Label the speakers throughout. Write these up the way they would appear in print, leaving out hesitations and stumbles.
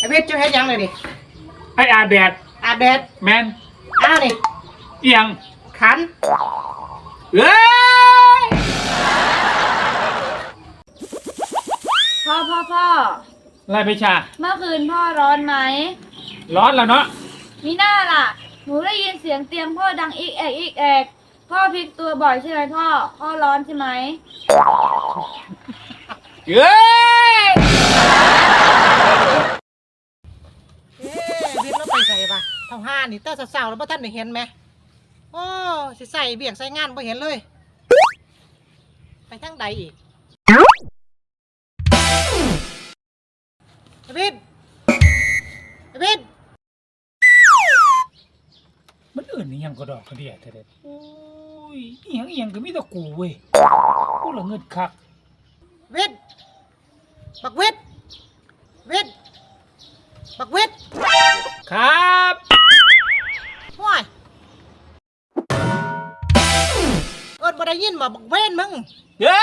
Speaker 1: เพชรจะให้ยังเลยดิ
Speaker 2: ไออาแดด
Speaker 1: อาแดด
Speaker 2: แมน
Speaker 1: นี่
Speaker 2: เอียง
Speaker 1: ขัน
Speaker 2: เอ้ย
Speaker 3: พ่อ
Speaker 2: อะไรไปชา
Speaker 3: เมื่อคืนพ่อร้อนไหม
Speaker 2: ร้อนแล้วเนาะ
Speaker 3: มีหน้าล่ะหนูได้ยินเสียงเตียงพ่อดังอีกแอกพ่อพลิกตัวบ่อยใช่ไหมพ่อร้อนใช่ไหม
Speaker 2: เฮ้ย
Speaker 1: เพชรเราไปใส่ปะเท่าห้านี่เต้าสาวๆแล้วพ่ท่านได้เห็นไหมโอ้สิใส่เบี่ยงใส่งานไม่เห็นเลยไปทั้งใดอีกเพชร
Speaker 2: มันอื่นนี่ยังก็ดอกกระเดียดเด็ดโอ้ยเอียงก็มีแต่กูเว้ยกูละเงินคัก
Speaker 1: บักเวท
Speaker 2: ครับ
Speaker 1: ว้ายบ่ได้ยินมาบักเวนมึง
Speaker 2: เย้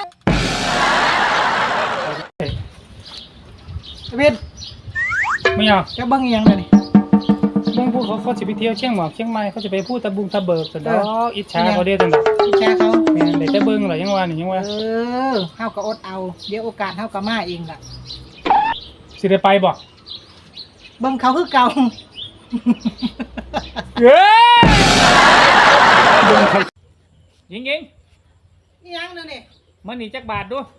Speaker 1: เวท
Speaker 2: ไม่เอา
Speaker 1: จะเบิ้งยังเลยนี่
Speaker 2: เบิ้งพวกเขาจะไปเที่ยวเชียงใหม่เขาจะไปพูดตะบุงตะเบิกสุดแล้วอิจฉาเขาเดียวจัง
Speaker 1: อิจฉาเขา
Speaker 2: แม่เดี๋ยวจะเบิ้งหรอยังว่า
Speaker 1: เฮาก็อดเอาเดี๋ยวโอกาสเฮาก็มาเองล่ะ
Speaker 2: สิได้ไปบ่
Speaker 1: เบิ้งเขาคือเก่า
Speaker 2: เย้ยิง
Speaker 1: ยังนี่
Speaker 2: มันหนีจักบาทดู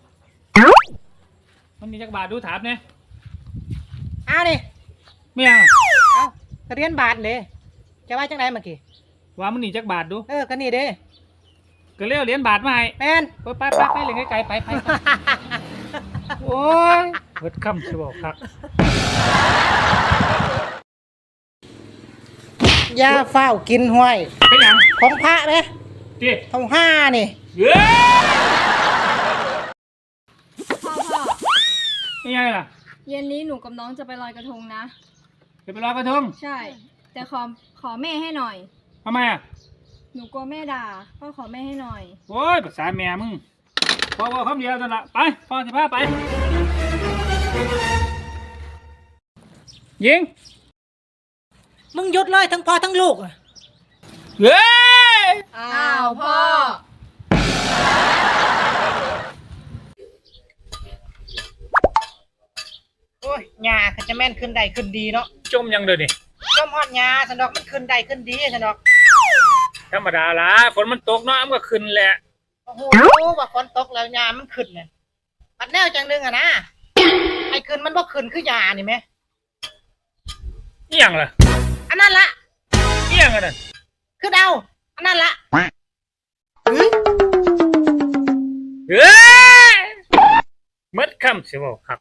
Speaker 2: ถามเนี่ย
Speaker 1: ดิ
Speaker 2: ไม่เอา
Speaker 1: เรียนบาทเลยจะว่าจังไรเมื่อกี้
Speaker 2: ว่ามันหนีจักบาทดู
Speaker 1: ก็นี่เด้
Speaker 2: ก็เลี้ยวเหรียญบาทมาให้
Speaker 1: แมน
Speaker 2: ไปเลยไกลไปโอ้ยเบิดคำจะบอกครับ
Speaker 1: ยาเฝ้ากินห้วย
Speaker 2: เป็นยัง
Speaker 1: ของพระเลย
Speaker 2: ดิ
Speaker 1: เท่าห้านี่
Speaker 2: นี่ไงล่ะ
Speaker 3: เย็นนี้หนูกับน้องจะไปลอยกระทงนะ
Speaker 2: จะไปลอยกระทง
Speaker 3: ใช่แต่ขอแม่ให้หน่อย
Speaker 2: ทำไมอ่ะ
Speaker 3: หนูกลัวแม่ด่าพ่อขอแม่ให้หน่อย
Speaker 2: โอ้ยภาษาแม่มึงพอคำเดียวนั่นละไปพ่อสิพาไปยิง
Speaker 1: มึงหยุดเลยทั้งพ่อทั้งลูก
Speaker 2: เฮ้ย
Speaker 3: อ้าวพ่อ
Speaker 1: โอ้ยยาเขาจะแม่นขึ้นใดขึ้นดีเนาะ
Speaker 2: จมยังเลยดิ
Speaker 1: จมฮอดยาสนอกมันขึ้นใดขึ้นดีสนอก
Speaker 2: ธรรมดาละฝนมันตกเนาะมันก็ขึ้นแหละ
Speaker 1: โอ้โหว่าฝนตกแล้วยามันขึ้นเนี่ยปัดแนวจังนึงอะนะไอ้ขึ้นมันบ่ขึ้นคือยานี่ไหม
Speaker 2: เอียงล่ะ
Speaker 1: อันนั้นละ
Speaker 2: เอียงอันนั้น
Speaker 1: คือเดาอันนั้นละ
Speaker 2: เฮ้ยมัดคำเสียบอกครับ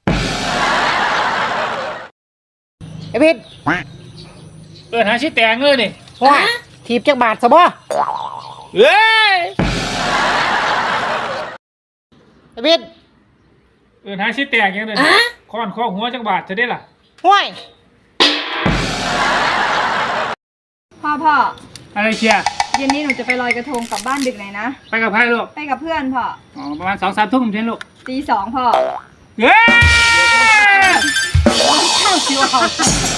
Speaker 1: ไอ้พิษ
Speaker 2: หาชิ้นแตงเลยนี่
Speaker 1: ว้าถีบจากบาทซะบ่
Speaker 2: เฮ้ย
Speaker 1: ไอ้พิษ
Speaker 2: หาชิ้นแตงยังเลยค้อนข้อหัวจากบาทจะได้ล่ะ
Speaker 1: ห้วย
Speaker 3: พ่อ
Speaker 2: อะไรเชียร์
Speaker 3: เย็นนี้หนูจะไปลอยกระทงกลับบ้านดึกหน่อยนะ
Speaker 2: ไปกับใครลูก
Speaker 3: ไปกับเพื่อนพ่อ
Speaker 2: ประมาณ2-3 ทุ่มใช่ลูก
Speaker 3: ตี 2พ่อ
Speaker 2: เฮ้ย
Speaker 1: เข้าชิวเอา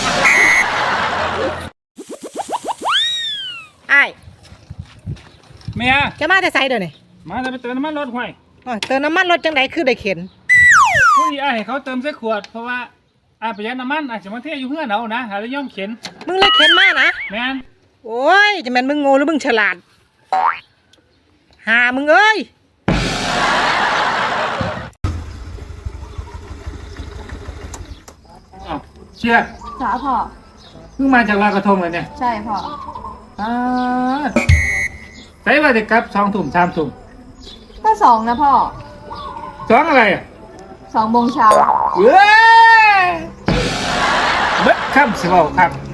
Speaker 1: ไอ้
Speaker 2: เมีย
Speaker 1: จะมาแต่ไซเดี๋ยวนี้
Speaker 2: มาแต่ไปเติมน้ำมันรถห่วย
Speaker 1: เติมน้ำมันรถจังไดคือได้เข็น
Speaker 2: ผู้ใหญ่ให้เขาเติมใส่ขวดเพราะว่าประหยัดน้ำมันอาจจะมาเที่ยวอยู่เพื่อนเอานะหาแล้วย่อมเข็น
Speaker 1: มึงเลยเข็นมากนะ
Speaker 2: แม่น
Speaker 1: โอ้ยจะแม่นมึงโง่หรือมึงฉลาดหามึงเอ้ย
Speaker 2: เชียร์
Speaker 3: จ๋าพ่อ
Speaker 2: เพิ่งมาจากลอยกระทงเลยเนี่ย
Speaker 3: ใช่พ่อ
Speaker 2: ใส่ว่าจะกลับ2 ทุ่ม 3 ทุ่ม
Speaker 3: ก็2นะพ่อ
Speaker 2: 2อะไรอ่ะ
Speaker 3: 2 โมงเช้า
Speaker 2: เฮ้ยเบิดคำสิบอกครับ